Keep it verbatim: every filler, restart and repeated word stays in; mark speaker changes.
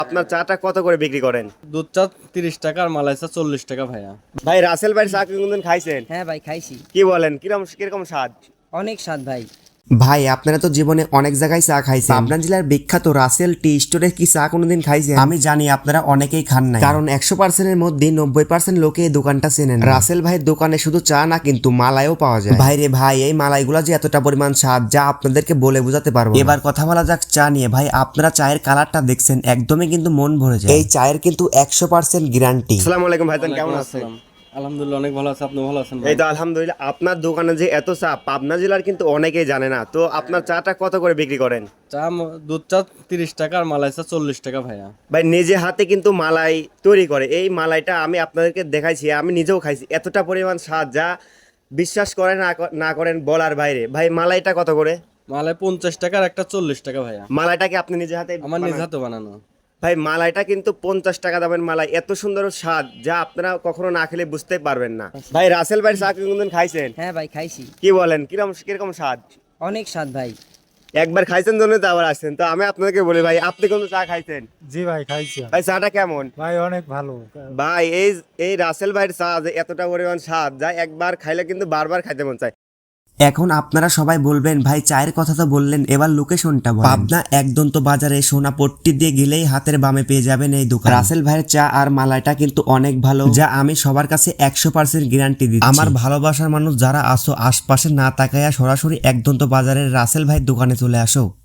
Speaker 1: আপনার চাটা কত করে বিক্রি করেন?
Speaker 2: দুধ চা তিরিশ টাকা আর মালাই চা চল্লিশ টাকা ভাইয়া।
Speaker 1: ভাই রাসেল ভাইয়ের চা কি কোনদিন খাইছেন?
Speaker 3: হ্যাঁ ভাই খাইছি,
Speaker 1: কি বলেন, কিরকম কিরকম স্বাদ?
Speaker 3: অনেক স্বাদ ভাই।
Speaker 4: ভাই আপনারা তো জীবনে অনেক জায়গায় চা খাইছেন, পাবনা জেলার বিখ্যাত রাসেল টি স্টোরে কি চা কোনোদিন খাইছেন? আমি জানি আপনারা অনেকেই খান নাই, কারণ একশো পার্সেন্টের মধ্যে নব্বই পার্সেন্ট লোকে এই দোকানটা চেনেন। রাসেল ভাইয়ের দোকানে শুধু চা না কিন্তু মালাইও পাওয়া যায়। ভাই রে ভাই, এই মালাইগুলা যে এতটা পরিমাণ স্বাদ যা আপনাদেরকে বলে বোঝাতে পারবো না। এবার কথা বলা যাক চা নিয়ে। ভাই আপনারা চায়ের কালারটা দেখছেন, একদমই কিন্তু মন ভরে যায়। এই চায়ের কিন্তু একশো পার্সেন্ট গ্যারান্টি।
Speaker 1: আসসালামু আলাইকুম ভাইজান, কেমন আছেন?
Speaker 2: আসসালাম। আলহামদুলিল্লাহ অনেক ভালো আছে, আপনি ভালো আছেন ভাই?
Speaker 1: এই তো আলহামদুলিল্লাহ। আপনার দোকানে যে এত চা পাবনা জেলার কিন্তু অনেকেই জানে না, তো আপনার চাটা কত করে বিক্রি করেন?
Speaker 2: চা ম- দুধ চা তিরিশ টাকা আর মালাই চা চল্লিশ টাকা ভাইয়া।
Speaker 1: ভাই নিজে হাতে কিন্তু মালাই তৈরি করে, এই মালাইটা আমি আপনাদেরকে দেখাইছি, আমি নিজেও খাইছি, এতটা পরিমাণ স্বাদ যা বিশ্বাস করেন না ক- না করেন বলার বাইরে। ভাই মালাইটা কত করে?
Speaker 2: মালাই পঞ্চাশ টাকা আর একটা চল্লিশ টাকা ভাইয়া।
Speaker 1: মালাইটা কি আপনি নিজে হাতে
Speaker 2: আমার নিজ
Speaker 1: বানান?
Speaker 2: হাতে বানানো।
Speaker 1: ভাই মালাইটা কিন্তু পঞ্চাশ টাকা দামের মালাই, এত সুন্দর স্বাদ যা আপনারা কখনো না খেলে বুঝতে পারবেন না। ভাই রাসেল ভাইয়ের চা কি কোনদিন খাইছেন?
Speaker 3: হ্যাঁ ভাই খাইছি,
Speaker 1: কি বলেন, কিরকম কিরকম স্বাদ?
Speaker 3: অনেক স্বাদ ভাই।
Speaker 1: একবার খাইছেন জন্য তো আবার আসছেন, তো আমি আপনাকে বলি ভাই আপনি কোন চা খাইছেন?
Speaker 5: জি ভাই খাইছি আমি।
Speaker 1: ভাই চাটা কেমন?
Speaker 5: ভাই অনেক ভালো।
Speaker 1: ভাই এই এই রাসেল ভাইয়ের চা যে এতটা পরিমাণ স্বাদ যা একবার খাইলে কিন্তু বারবার খাইতে মন চায়।
Speaker 4: এখন আপনারা সবাই বলবেন ভাই চায়ের কথা তো বললেন, এবার লোকেশনটা বলেন। পাবনা একদন্ত বাজারে সোনাপট্টি দিয়ে গেলেই হাতের বামে পেয়ে যাবেন এই দোকান। রাসেল ভাইয়ের চা আর মালাইটা কিন্তু অনেক ভালো, যা আমি সবার কাছে একশো পার্সেন্ট গ্যারান্টি দিচ্ছি। আমার ভালোবাসার মানুষ যারা আসো, আশপাশে না তাকায়া সরাসরি একদন্ত বাজারের রাসেল ভাইয়ের দোকানে চলে আসো।